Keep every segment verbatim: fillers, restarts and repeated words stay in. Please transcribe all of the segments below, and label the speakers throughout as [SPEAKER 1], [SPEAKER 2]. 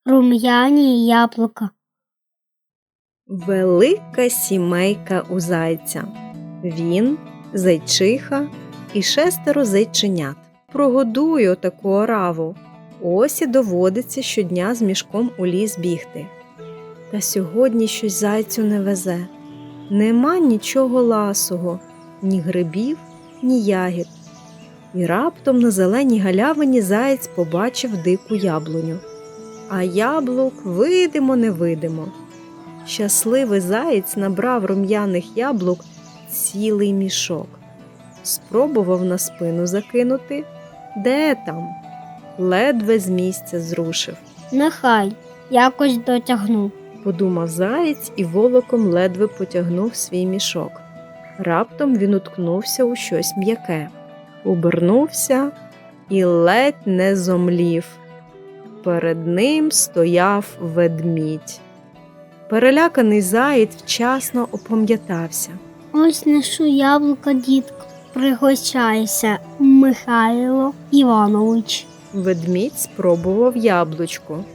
[SPEAKER 1] рум'яні яблука.
[SPEAKER 2] Велика сімейка у зайця. Він, зайчиха і шестеро зайченят. Прогодую таку ораву. Ось і доводиться щодня з мішком у ліс бігти. Та сьогодні щось зайцю не везе. Нема нічого ласого, ні грибів, ні ягід. І раптом на зеленій галявині заєць побачив дику яблуню. А яблук видимо-невидимо. Щасливий заєць набрав рум'яних яблук цілий мішок. Спробував на спину закинути. Де там? Ледве з місця зрушив.
[SPEAKER 1] Нехай якось дотягну.
[SPEAKER 2] Подумав заєць і волоком ледве потягнув свій мішок. Раптом він уткнувся у щось м'яке. Обернувся і ледь не зомлів. Перед ним стояв ведмідь. Переляканий заєць вчасно опам'ятався.
[SPEAKER 1] Ось нешу яблука, дітко. Пригощайся, Михайло Іванович.
[SPEAKER 2] Ведмідь спробував яблучко.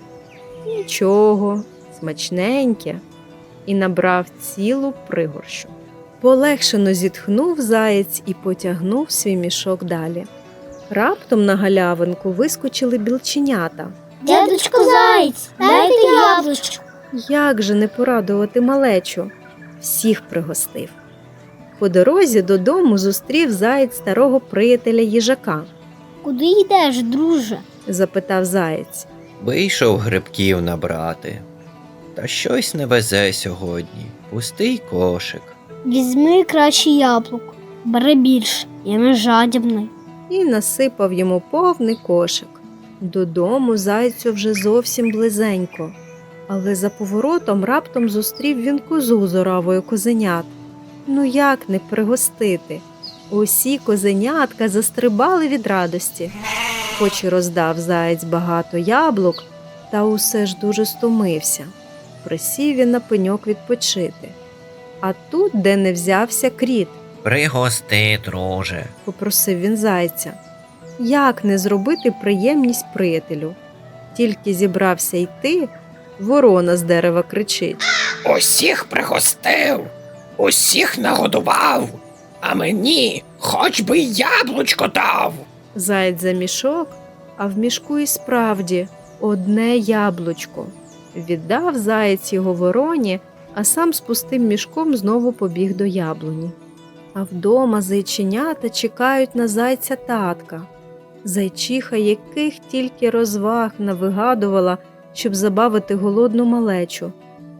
[SPEAKER 2] Нічого, смачненьке. І набрав цілу пригорщу. Полегшено зітхнув заєць і потягнув свій мішок далі. Раптом на галявинку вискочили білченята.
[SPEAKER 1] Дядечко Заєць, дайте яблучко.
[SPEAKER 2] Як же не порадувати малечу? Всіх пригостив. По дорозі додому зустрів заєць старого приятеля їжака.
[SPEAKER 1] Куди йдеш, друже?
[SPEAKER 2] Запитав заєць.
[SPEAKER 3] Вийшов грибків набрати. Та щось не везе сьогодні. Пустий кошик.
[SPEAKER 1] Візьми краще яблук. Бери більше, я не жадібний.
[SPEAKER 2] І насипав йому повний кошик. Додому зайцю вже зовсім близенько. Але за поворотом раптом зустрів він козу з оравою козенят. Ну як не пригостити? Усі козенятка застрибали від радості. Хоч і роздав заєць багато яблук, та усе ж дуже стомився. Присів він на пеньок відпочити. А тут, де не взявся, кріт.
[SPEAKER 3] Пригости, друже.
[SPEAKER 2] Попросив він зайця. Як не зробити приємність приятелю? Тільки зібрався йти, ворона з дерева кричить.
[SPEAKER 4] Усіх пригостив, усіх нагодував, а мені хоч би яблучко дав.
[SPEAKER 2] Заєць за мішок, а в мішку і справді одне яблучко. Віддав заєць його вороні, а сам з пустим мішком знову побіг до яблуні. А вдома зайченята чекають на зайця татка. Зайчиха яких тільки розваг навигадувала, щоб забавити голодну малечу.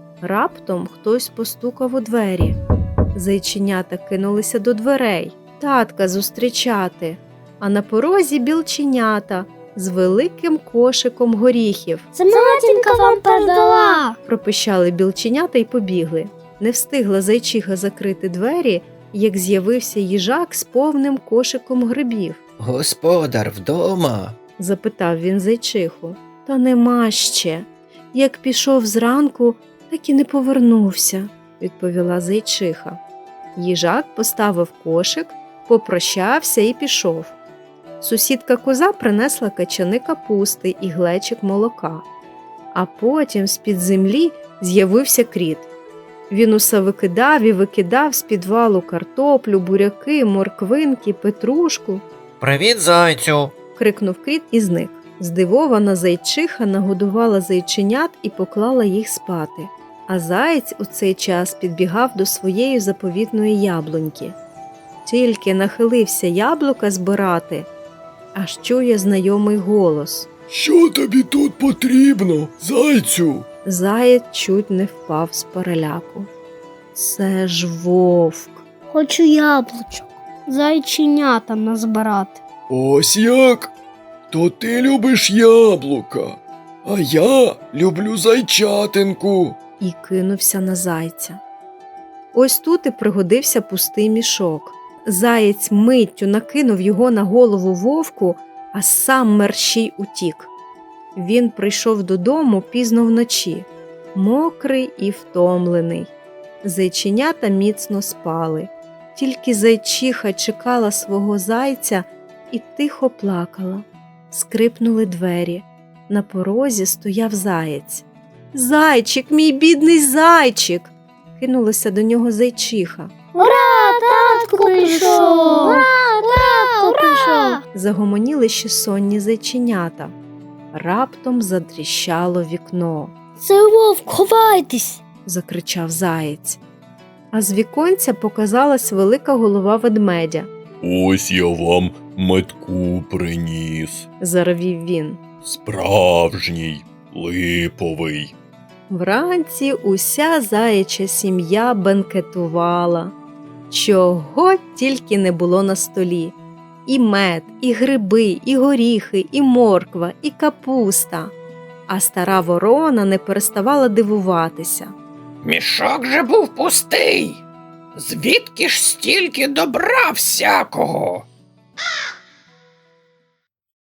[SPEAKER 2] Раптом хтось постукав у двері. Зайченята кинулися до дверей, татка зустрічати, а на порозі білченята з великим кошиком горіхів.
[SPEAKER 1] Це матінка вам передала.
[SPEAKER 2] Пропищали білченята й побігли. Не встигла зайчиха закрити двері, як з'явився їжак з повним кошиком грибів.
[SPEAKER 3] Господар вдома?
[SPEAKER 2] Запитав він зайчиху. Та нема ще. Як пішов зранку, так і не повернувся, відповіла зайчиха. Їжак поставив кошик, попрощався і пішов. Сусідка коза принесла качани капусти і глечик молока. А потім з-під землі з'явився кріт. Він усе викидав і викидав з підвалу картоплю, буряки, морквинки, петрушку.
[SPEAKER 3] Привіт, зайцю!
[SPEAKER 2] Крикнув кріт і зник. Здивована зайчиха нагодувала зайченят і поклала їх спати. А заєць у цей час підбігав до своєї заповітної яблуньки. Тільки нахилився яблука збирати, аж чує знайомий голос.
[SPEAKER 5] Що тобі тут потрібно, зайцю?
[SPEAKER 2] Заєць чуть не впав з переляку. Це ж вовк.
[SPEAKER 1] Хочу яблучок. Зайченята назбирати.
[SPEAKER 5] Ось як? То ти любиш яблука, а я люблю зайчатинку.
[SPEAKER 2] І кинувся на зайця. Ось тут і пригодився пустий мішок. Заєць миттю накинув його на голову вовку, а сам мерщій утік. Він прийшов додому пізно вночі, мокрий і втомлений. Зайченята міцно спали. Тільки зайчиха чекала свого зайця і тихо плакала. Скрипнули двері. На порозі стояв заєць. «Зайчик, мій бідний зайчик!» – кинулася до нього зайчиха.
[SPEAKER 1] Ура, татко прийшов! Ура, татко прийшов!
[SPEAKER 2] Загомоніли ще сонні зайченята. Раптом затріщало вікно.
[SPEAKER 1] Це вовк, ховайтесь!
[SPEAKER 2] Закричав заєць. А з віконця показалась велика голова ведмедя.
[SPEAKER 5] Ось я вам метку приніс.
[SPEAKER 2] Заревів він.
[SPEAKER 5] Справжній, липовий.
[SPEAKER 2] Вранці уся заяча сім'я бенкетувала. Чого тільки не було на столі. І мед, і гриби, і горіхи, і морква, і капуста. А стара ворона не переставала дивуватися.
[SPEAKER 4] Мішок же був пустий. Звідки ж стільки добра всякого?